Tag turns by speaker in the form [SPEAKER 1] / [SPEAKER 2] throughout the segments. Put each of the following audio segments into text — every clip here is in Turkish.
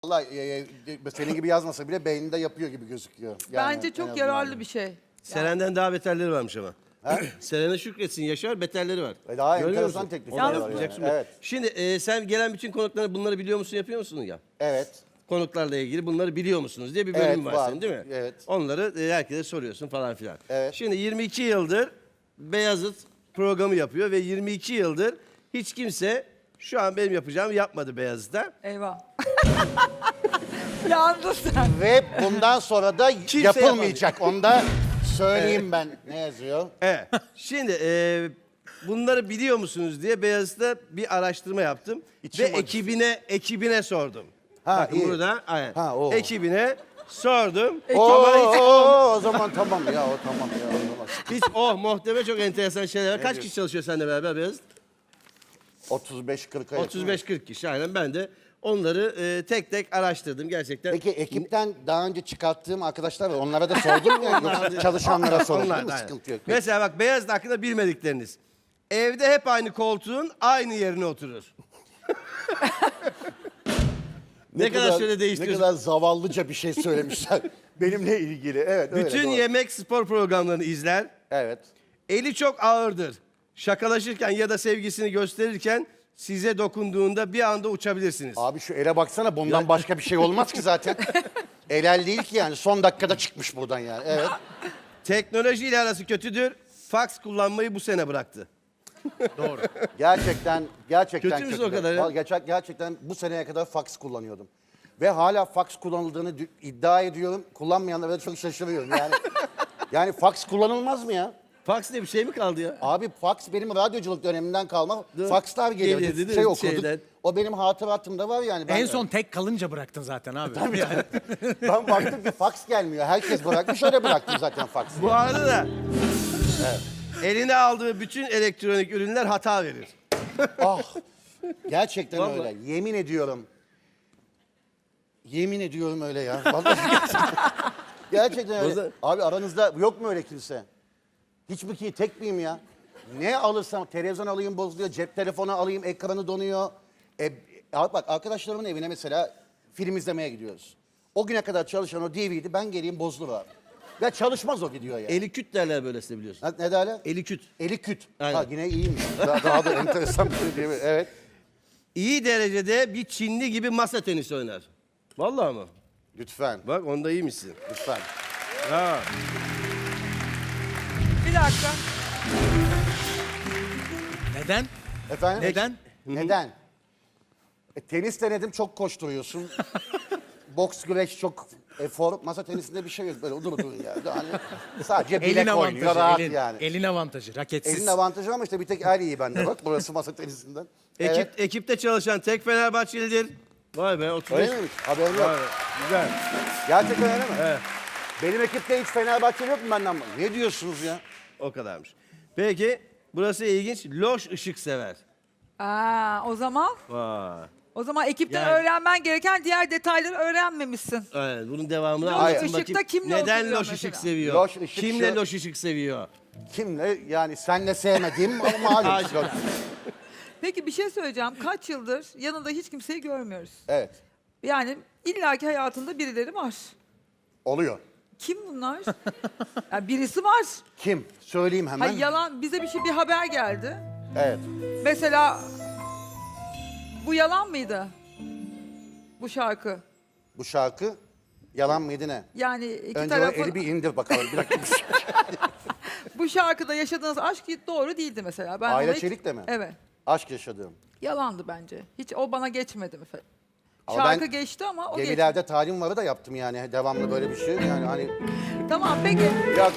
[SPEAKER 1] Vallahi senin gibi yazmasa bile beyninde yapıyor gibi gözüküyor. Yani
[SPEAKER 2] Bence
[SPEAKER 1] en
[SPEAKER 2] çok
[SPEAKER 1] azından.
[SPEAKER 2] yararlı bir şey.
[SPEAKER 3] Seren'den daha beterleri varmış ama. Seren'e şükretsin Yaşar, beterleri var.
[SPEAKER 1] Daha
[SPEAKER 3] Görüyor
[SPEAKER 1] enteresan
[SPEAKER 3] musun?
[SPEAKER 1] teklifler
[SPEAKER 3] Onları
[SPEAKER 1] var yani.
[SPEAKER 3] yapacaksın.
[SPEAKER 1] Evet.
[SPEAKER 3] Şimdi sen gelen bütün konukları bunları biliyor musun, yapıyor musun ya?
[SPEAKER 1] Evet.
[SPEAKER 3] Konuklarla ilgili bunları biliyor musunuz diye bir bölüm
[SPEAKER 1] Evet,
[SPEAKER 3] var
[SPEAKER 1] var.
[SPEAKER 3] senin değil mi?
[SPEAKER 1] Evet.
[SPEAKER 3] Onları herkese soruyorsun falan filan.
[SPEAKER 1] Evet.
[SPEAKER 3] Şimdi 22 yıldır Beyazıt programı yapıyor ve 22 yıldır hiç kimse şu an benim yapacağımı yapmadı Beyazıt'ta.
[SPEAKER 2] Eyvah. Yandın sen.
[SPEAKER 1] Ve bundan sonra da
[SPEAKER 3] Kimse
[SPEAKER 1] yapılmayacak. Onu da söyleyeyim ben. Ne yazıyor?
[SPEAKER 3] Evet. Şimdi bunları biliyor musunuz diye Beyazıt'ta bir araştırma yaptım.
[SPEAKER 1] İçim
[SPEAKER 3] Ve
[SPEAKER 1] acısı.
[SPEAKER 3] ekibine sordum.
[SPEAKER 1] Ha,
[SPEAKER 3] Bakın
[SPEAKER 1] iyi.
[SPEAKER 3] burada aynen.
[SPEAKER 1] Ha, o.
[SPEAKER 3] Ekibine sordum.
[SPEAKER 1] O zaman tamam ya o tamam ya. O zaman.
[SPEAKER 3] Hiç muhteme çok enteresan şeyler var. Kaç kişi çalışıyor seninle beraber Beyazıt?
[SPEAKER 1] 35-40'a yakın.
[SPEAKER 3] 35-40 kişi aynen. Ben de onları tek tek araştırdım gerçekten.
[SPEAKER 1] Peki ekipten daha önce çıkarttığım arkadaşlar var. Onlara da sordun mu? Yoksa çalışanlara sordun değil mi?
[SPEAKER 3] aynen.
[SPEAKER 1] Sıkıntı yok.
[SPEAKER 3] Mesela bak Beyazıt hakkında bilmedikleriniz. Evde hep aynı koltuğun aynı yerine oturur. ne kadar şöyle
[SPEAKER 1] Ne
[SPEAKER 3] değiştiriyorsun.
[SPEAKER 1] kadar zavallıca bir şey söylemişler. Benimle ilgili. Evet öyle.
[SPEAKER 3] Bütün
[SPEAKER 1] doğru.
[SPEAKER 3] yemek spor programlarını izler.
[SPEAKER 1] Evet.
[SPEAKER 3] Eli çok ağırdır. Şakalaşırken ya da sevgisini gösterirken size dokunduğunda bir anda uçabilirsiniz.
[SPEAKER 1] Abi şu ele baksana bundan başka bir şey olmaz ki zaten. El değil ki yani son dakikada çıkmış buradan yani. Evet.
[SPEAKER 3] Teknolojiyle arası kötüdür. Fax kullanmayı bu sene bıraktı.
[SPEAKER 1] Gerçekten
[SPEAKER 3] Kötü müsün o kadar ya?
[SPEAKER 1] Gerçekten bu seneye kadar fax kullanıyordum. Ve hala fax kullanıldığını iddia ediyorum. Kullanmayanlara çok şaşırıyorum yani. Yani fax kullanılmaz mı ya?
[SPEAKER 3] Fax diye bir şey mi kaldı ya?
[SPEAKER 1] Abi fax benim radyoculuk dönemimden kalma. Faxlar geliyordu.
[SPEAKER 3] Geliyordu, değil mi?
[SPEAKER 1] Şey okuduk.
[SPEAKER 3] Şeyden.
[SPEAKER 1] O benim hatıratımda var yani. Ben
[SPEAKER 4] En son tek kalınca bıraktın zaten abi. Yani.
[SPEAKER 1] ben baktım ki fax gelmiyor. Herkes bırakmış öyle bıraktım zaten faxı.
[SPEAKER 3] Bu arada da eline aldığı bütün elektronik ürünler hata verir.
[SPEAKER 1] Ah, gerçekten
[SPEAKER 3] Vallahi.
[SPEAKER 1] öyle. Yemin ediyorum. Yemin ediyorum öyle ya. Vallahi gerçekten öyle.
[SPEAKER 3] Bazen-
[SPEAKER 1] Abi aranızda yok mu öyle kimse? Hiç mi ki tek miyim ya? Ne alırsam televizyon alayım bozuluyor, cep telefonu alayım ekranı donuyor. Abi bak arkadaşlarımın evine mesela film izlemeye gidiyoruz. O güne kadar çalışan o DVD ben geleyim bozulur abi. Ya çalışmaz o video ya.
[SPEAKER 3] Eli küt derler böylesine biliyorsun.
[SPEAKER 1] Ne derler?
[SPEAKER 3] Eli küt.
[SPEAKER 1] Eli küt.
[SPEAKER 3] Aynen.
[SPEAKER 1] Ha yine iyiymiş. Daha da enteresan bir şey değil mi? Evet.
[SPEAKER 3] İyi derecede bir Çinli gibi masa tenisi oynar. Vallahi mı?
[SPEAKER 1] Lütfen.
[SPEAKER 3] Bak onda iyiymişsin.
[SPEAKER 1] Lütfen.
[SPEAKER 3] Ha.
[SPEAKER 2] Bir dakika.
[SPEAKER 4] Neden?
[SPEAKER 1] Efendim?
[SPEAKER 4] Neden?
[SPEAKER 1] Neden? Tenis denedim çok koşturuyorsun. Boks güreş çok efor. Masa tenisinde bir şey yok. Böyle durun yani. Hani sadece bilek
[SPEAKER 4] Elin
[SPEAKER 1] oynuyor
[SPEAKER 4] avantajı.
[SPEAKER 1] rahat
[SPEAKER 4] Elin,
[SPEAKER 1] yani.
[SPEAKER 4] elin avantajı. Raketsiz.
[SPEAKER 1] Elin avantajı ama işte bir tek el iyi bende bak. Burası masa tenisinden. Evet.
[SPEAKER 3] Ekipte çalışan tek Fenerbahçelidir. Vay be 35.
[SPEAKER 1] Öyle miymiş? Haberim
[SPEAKER 3] Vay
[SPEAKER 1] yok.
[SPEAKER 3] be, güzel.
[SPEAKER 1] Gerçekten öyle mi?
[SPEAKER 3] Evet.
[SPEAKER 1] Benim ekipte hiç Fenerbahçeli yok mu benden? Ne diyorsunuz ya?
[SPEAKER 3] O kadarmış. Peki burası ilginç. Loş ışık sever.
[SPEAKER 2] O zaman
[SPEAKER 3] Vay.
[SPEAKER 2] ekipten
[SPEAKER 3] Yani-
[SPEAKER 2] öğrenmen gereken diğer detayları öğrenmemişsin.
[SPEAKER 3] Evet, bunun devamını
[SPEAKER 2] Loş
[SPEAKER 3] anlatın
[SPEAKER 2] ışıkta
[SPEAKER 3] bakayım.
[SPEAKER 2] kimle
[SPEAKER 3] Neden
[SPEAKER 2] oturuyor
[SPEAKER 3] loş
[SPEAKER 2] mesela?
[SPEAKER 3] ışık seviyor?
[SPEAKER 1] Loş ışık
[SPEAKER 3] Kimle
[SPEAKER 1] şu-
[SPEAKER 3] loş ışık seviyor?
[SPEAKER 1] Kimle? Yani senle sevmediğim ama malum.
[SPEAKER 2] Peki bir şey söyleyeceğim. Kaç yıldır yanında hiç kimseyi görmüyoruz.
[SPEAKER 1] Evet.
[SPEAKER 2] Yani illaki hayatında birileri var.
[SPEAKER 1] Oluyor.
[SPEAKER 2] Kim bunlar? Ya birisi var.
[SPEAKER 1] Kim? Söyleyeyim hemen.
[SPEAKER 2] Hayır yalan bize bir haber geldi.
[SPEAKER 1] Evet.
[SPEAKER 2] Mesela bu yalan mıydı? Bu şarkı.
[SPEAKER 1] Bu şarkı yalan mıydı ne?
[SPEAKER 2] Yani iki
[SPEAKER 1] Önce o
[SPEAKER 2] tarafın
[SPEAKER 1] eli bir indir bakalım. Bir dakika.
[SPEAKER 2] bu şarkıda yaşadığınız aşk doğru değildi mesela. Ben
[SPEAKER 1] Ayla
[SPEAKER 2] ona hiç-
[SPEAKER 1] Çelik'le mi?
[SPEAKER 2] Evet.
[SPEAKER 1] Aşk yaşadığım.
[SPEAKER 2] Yalandı bence. Hiç o bana geçmedi mi?
[SPEAKER 1] Ama
[SPEAKER 2] Şarkı
[SPEAKER 1] ben
[SPEAKER 2] geçti ama o geçmedi.
[SPEAKER 1] Gemilerde talim varı da yaptım yani. Devamlı böyle bir şey. Yani hani
[SPEAKER 2] Tamam peki.
[SPEAKER 1] yok.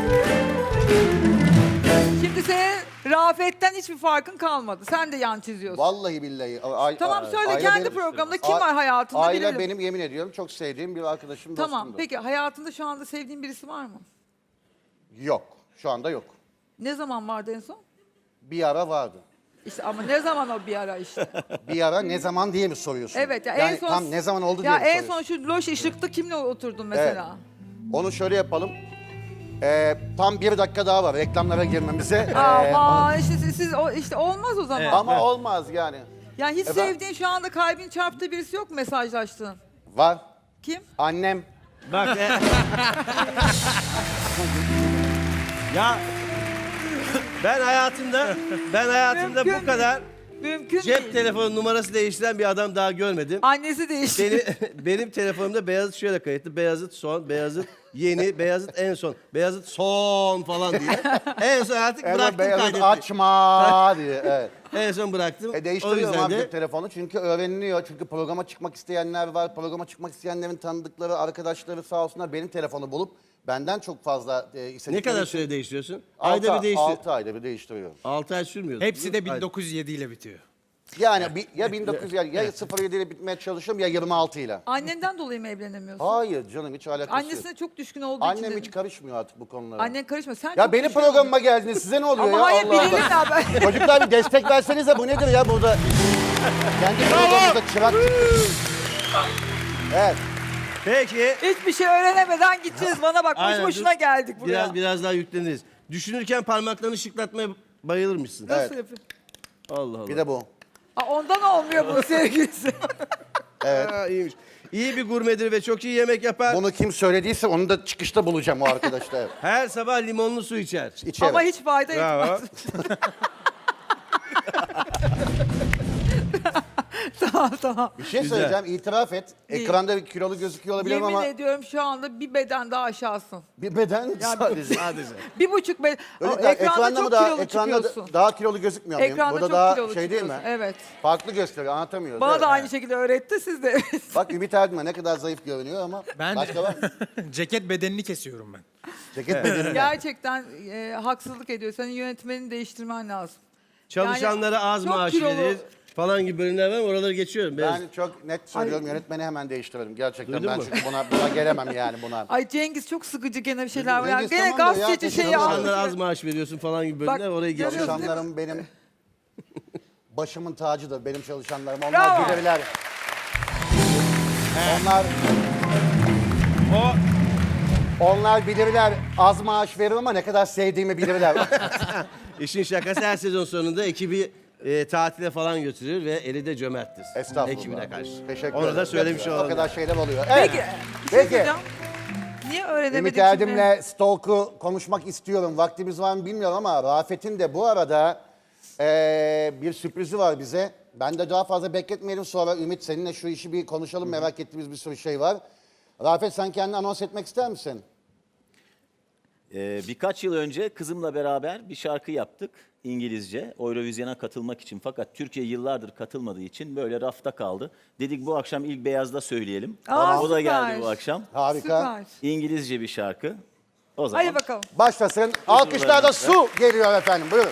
[SPEAKER 2] Şimdi senin Rafet'ten hiçbir farkın kalmadı. Sen de yan çiziyorsun.
[SPEAKER 1] Vallahi billahi.
[SPEAKER 2] Tamam söyle
[SPEAKER 1] Ayla
[SPEAKER 2] kendi
[SPEAKER 1] benim-
[SPEAKER 2] programda kim var hayatında
[SPEAKER 1] Ayla
[SPEAKER 2] bilirim.
[SPEAKER 1] benim yemin ediyorum çok sevdiğim bir arkadaşım
[SPEAKER 2] Tamam
[SPEAKER 1] dostumdu.
[SPEAKER 2] peki hayatında şu anda sevdiğin birisi var mı?
[SPEAKER 1] Yok. Şu anda yok.
[SPEAKER 2] Ne zaman vardı en son?
[SPEAKER 1] Bir ara vardı.
[SPEAKER 2] İşte ama ne zaman o bir ara işte.
[SPEAKER 1] Bir ara ne zaman diye mi soruyorsun?
[SPEAKER 2] Evet ya
[SPEAKER 1] yani
[SPEAKER 2] en son
[SPEAKER 1] tam ne zaman oldu
[SPEAKER 2] ya
[SPEAKER 1] diye mi
[SPEAKER 2] en son
[SPEAKER 1] soruyorsun?
[SPEAKER 2] şu loş ışıkta kimle oturdun mesela?
[SPEAKER 1] Onu şöyle yapalım. Tam bir dakika daha var reklamlara girmemize.
[SPEAKER 2] Ama işte siz işte olmaz o zaman.
[SPEAKER 1] Ama olmaz yani.
[SPEAKER 2] Yani hiç
[SPEAKER 1] Efendim?
[SPEAKER 2] sevdiğin şu anda kalbin çarptığı birisi yok mu mesajlaştığın?
[SPEAKER 1] Var.
[SPEAKER 2] Kim?
[SPEAKER 1] Annem.
[SPEAKER 3] Bak. Ya ben hayatımda
[SPEAKER 2] Mümkün
[SPEAKER 3] bu kadar
[SPEAKER 2] Mümkün
[SPEAKER 3] cep
[SPEAKER 2] değil.
[SPEAKER 3] telefonu numarası değiştiren bir adam daha görmedim.
[SPEAKER 2] Annesi değişti.
[SPEAKER 3] Benim telefonumda Beyazıt şöyle kayıtlı. Beyazıt son, Beyazıt yeni, Beyazıt en son. Beyazıt son falan diye. En son artık
[SPEAKER 1] Evet,
[SPEAKER 3] bıraktım
[SPEAKER 1] Beyazıt
[SPEAKER 3] kaydetti.
[SPEAKER 1] açma diye. Evet.
[SPEAKER 3] En son bıraktım. O
[SPEAKER 1] Değiştiriyorum
[SPEAKER 3] yüzden
[SPEAKER 1] artık
[SPEAKER 3] de
[SPEAKER 1] telefonu çünkü öğreniliyor. Çünkü programa çıkmak isteyenler var. Programa çıkmak isteyenlerin tanıdıkları, arkadaşları sağ olsunlar benim telefonu bulup benden çok fazla
[SPEAKER 3] ne
[SPEAKER 1] istedikleri
[SPEAKER 3] kadar
[SPEAKER 1] için
[SPEAKER 3] süre değiştiriyorsun? Ayda bir değiştir.
[SPEAKER 1] 6 ayda bir değiştiriyorum.
[SPEAKER 3] 6 ay sürmüyor.
[SPEAKER 4] Hepsi de 1907 ile bitiyor.
[SPEAKER 1] Yani ya 1900 ya 07 ile bitmeye çalışıyorum ya 26 ile.
[SPEAKER 2] Annenden dolayı mı evlenemiyorsun?
[SPEAKER 1] Hayır canım hiç alakası yok.
[SPEAKER 2] Annesine çok düşkün olduğu için
[SPEAKER 1] Annem
[SPEAKER 2] dedim.
[SPEAKER 1] hiç karışmıyor artık bu konulara.
[SPEAKER 2] Annen karışma. Sen
[SPEAKER 1] Ya
[SPEAKER 2] çok
[SPEAKER 1] benim
[SPEAKER 2] düşkün
[SPEAKER 1] programıma geldiniz size ne oluyor
[SPEAKER 2] Ama
[SPEAKER 1] ya?
[SPEAKER 2] hayır
[SPEAKER 1] Allah
[SPEAKER 2] bilelim
[SPEAKER 1] Allah.
[SPEAKER 2] ya ben.
[SPEAKER 1] Çocuklar bir destek versenize bu nedir ya burada? Kendi programımızda çırak çıktı. Evet.
[SPEAKER 3] Peki.
[SPEAKER 2] Hiçbir şey öğrenemeden gideceğiz. Bana bak boş
[SPEAKER 3] Aynen,
[SPEAKER 2] boşuna
[SPEAKER 3] dur.
[SPEAKER 2] geldik buraya.
[SPEAKER 3] Biraz daha yükleniriz. Düşünürken parmaklarını şıklatmaya bayılırmışsın.
[SPEAKER 2] Nasıl
[SPEAKER 1] Evet.
[SPEAKER 2] yapayım?
[SPEAKER 3] Allah Allah.
[SPEAKER 1] Bir de bu.
[SPEAKER 2] Aa, ondan olmuyor bu sevgilisi.
[SPEAKER 3] Ha, iyiymiş. İyi bir gurmedir ve çok iyi yemek yapar.
[SPEAKER 1] Bunu kim söylediyse onu da çıkışta bulacağım o arkadaşlar. Evet.
[SPEAKER 3] Her sabah limonlu su içer.
[SPEAKER 1] İçeri.
[SPEAKER 2] Ama hiç fayda
[SPEAKER 3] Bravo.
[SPEAKER 2] etmez. tamam.
[SPEAKER 1] Bir şey
[SPEAKER 3] Güzel.
[SPEAKER 1] söyleyeceğim itiraf et.
[SPEAKER 2] İyi.
[SPEAKER 1] Ekranda bir kilolu gözüküyor olabilirim
[SPEAKER 2] Yemin
[SPEAKER 1] ama
[SPEAKER 2] ediyorum şu anda bir beden daha aşağısın.
[SPEAKER 1] bir beden sadece.
[SPEAKER 3] Sadece.
[SPEAKER 2] 1,5 beden.
[SPEAKER 1] Öyle
[SPEAKER 2] Ekranda çok kilolu çıkıyorsun.
[SPEAKER 1] daha kilolu gözükmüyor muyum?
[SPEAKER 2] Ekranda
[SPEAKER 1] Burada
[SPEAKER 2] çok
[SPEAKER 1] daha
[SPEAKER 2] kilolu
[SPEAKER 1] şey değil mi?
[SPEAKER 2] çıkıyorsun. Evet.
[SPEAKER 1] Farklı gösteriyor anlatamıyoruz.
[SPEAKER 2] Bana
[SPEAKER 1] evet.
[SPEAKER 2] da aynı şekilde öğretti siz de.
[SPEAKER 1] Bak Ümit Erdin'e ne kadar zayıf görünüyor ama
[SPEAKER 4] Ben
[SPEAKER 1] başka var mı?
[SPEAKER 4] ceket bedenini kesiyorum ben.
[SPEAKER 1] Ceket bedeni.
[SPEAKER 2] Gerçekten haksızlık ediyor. Senin yönetmenini değiştirmen lazım.
[SPEAKER 3] Çalışanlara az
[SPEAKER 2] çok
[SPEAKER 3] maaş
[SPEAKER 2] kilolu-
[SPEAKER 3] verir falan gibi bölümler var mı? Oraları geçiyorum.
[SPEAKER 1] Ben çok net söylüyorum yönetmeni hemen değiştirelim. Gerçekten
[SPEAKER 3] Duydun
[SPEAKER 1] ben
[SPEAKER 3] mu?
[SPEAKER 1] çünkü buna gelemem yani buna.
[SPEAKER 2] Ay Cengiz çok sıkıcı gene bir şeyler var. Ya.
[SPEAKER 1] Cengiz
[SPEAKER 2] Gene
[SPEAKER 1] tamam da ya,
[SPEAKER 2] gazeteci şeyi
[SPEAKER 1] çalışanlar
[SPEAKER 2] anlatıyor.
[SPEAKER 3] Çalışanlara az maaş veriyorsun falan gibi bölümler
[SPEAKER 2] Bak,
[SPEAKER 3] oraya geçiyorum.
[SPEAKER 2] görüyorsun.
[SPEAKER 1] Çalışanlarım benim başımın tacıdır benim çalışanlarım. Onlar
[SPEAKER 2] Bravo.
[SPEAKER 1] bilirler. Onlar bilirler az maaş verir ama ne kadar sevdiğimi bilirler.
[SPEAKER 3] İşin şakası her sezon sonunda ekibi tatile falan götürür ve eli de cömerttir.
[SPEAKER 1] Estağfurullah.
[SPEAKER 3] Ekibine karşı.
[SPEAKER 1] Teşekkür
[SPEAKER 3] Onu da
[SPEAKER 1] ederim.
[SPEAKER 3] söylemiş
[SPEAKER 1] O
[SPEAKER 3] olalım.
[SPEAKER 1] kadar şeyler oluyor. Evet.
[SPEAKER 2] Peki. Bir şey
[SPEAKER 1] Peki.
[SPEAKER 2] söyleyeceğim. Niye öğrenemedik
[SPEAKER 1] Ümit
[SPEAKER 2] şimdi?
[SPEAKER 1] Erdem'le Stalk'u konuşmak istiyorum. Vaktimiz var mı bilmiyorum ama Rafet'in de bu arada bir sürprizi var bize. Ben de daha fazla bekletmeyelim sonra Ümit seninle şu işi bir konuşalım. Merak ettiğimiz bir sürü şey var. Rafet sen kendini anons etmek ister misin?
[SPEAKER 5] Birkaç yıl önce kızımla beraber bir şarkı yaptık İngilizce Eurovision'a katılmak için. Fakat Türkiye yıllardır katılmadığı için böyle rafta kaldı. Dedik bu akşam ilk Beyaz'da söyleyelim.
[SPEAKER 2] Aa,
[SPEAKER 5] O da
[SPEAKER 2] süper.
[SPEAKER 5] geldi bu akşam.
[SPEAKER 1] Harika.
[SPEAKER 2] Süper.
[SPEAKER 5] İngilizce bir şarkı. O zaman
[SPEAKER 2] Hadi bakalım.
[SPEAKER 1] Başlasın. Alkışlarda su geliyor efendim. Buyurun.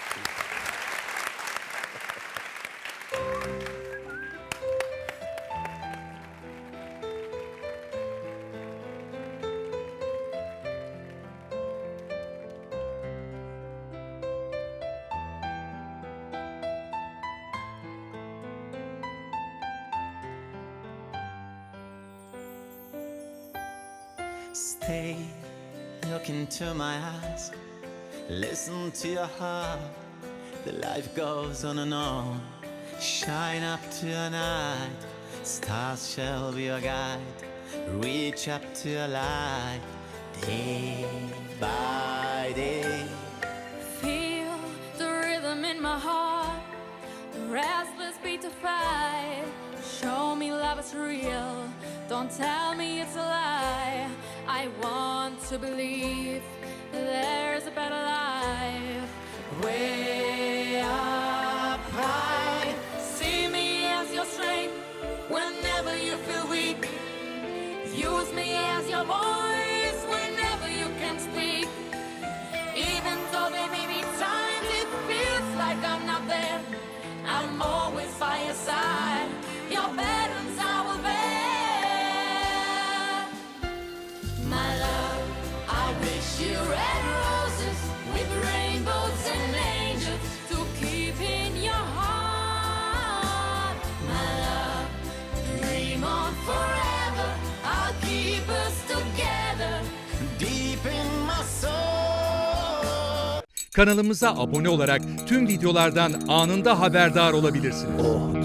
[SPEAKER 6] Stay, look into my eyes, listen to your heart. The life goes on and on. Shine up to your night, stars shall be your guide. Reach up to your light, day by day.
[SPEAKER 7] Feel the rhythm in my heart, the restless beat to fight. Show me love is real, don't tell me it's a lie. I want to believe there's a better life. Way up high, see me as your strength whenever you feel weak. Use me as your voice whenever you can speak. Even though there may be times it feels like I'm not there, I'm always by your side. Your burdens I will bear. My love, I wish you red roses with rainbows and angels to keep in your heart. My love, dream on forever. I'll keep us together.
[SPEAKER 6] Deep in my soul.
[SPEAKER 8] Kanalımıza abone olarak tüm videolardan anında haberdar olabilirsiniz.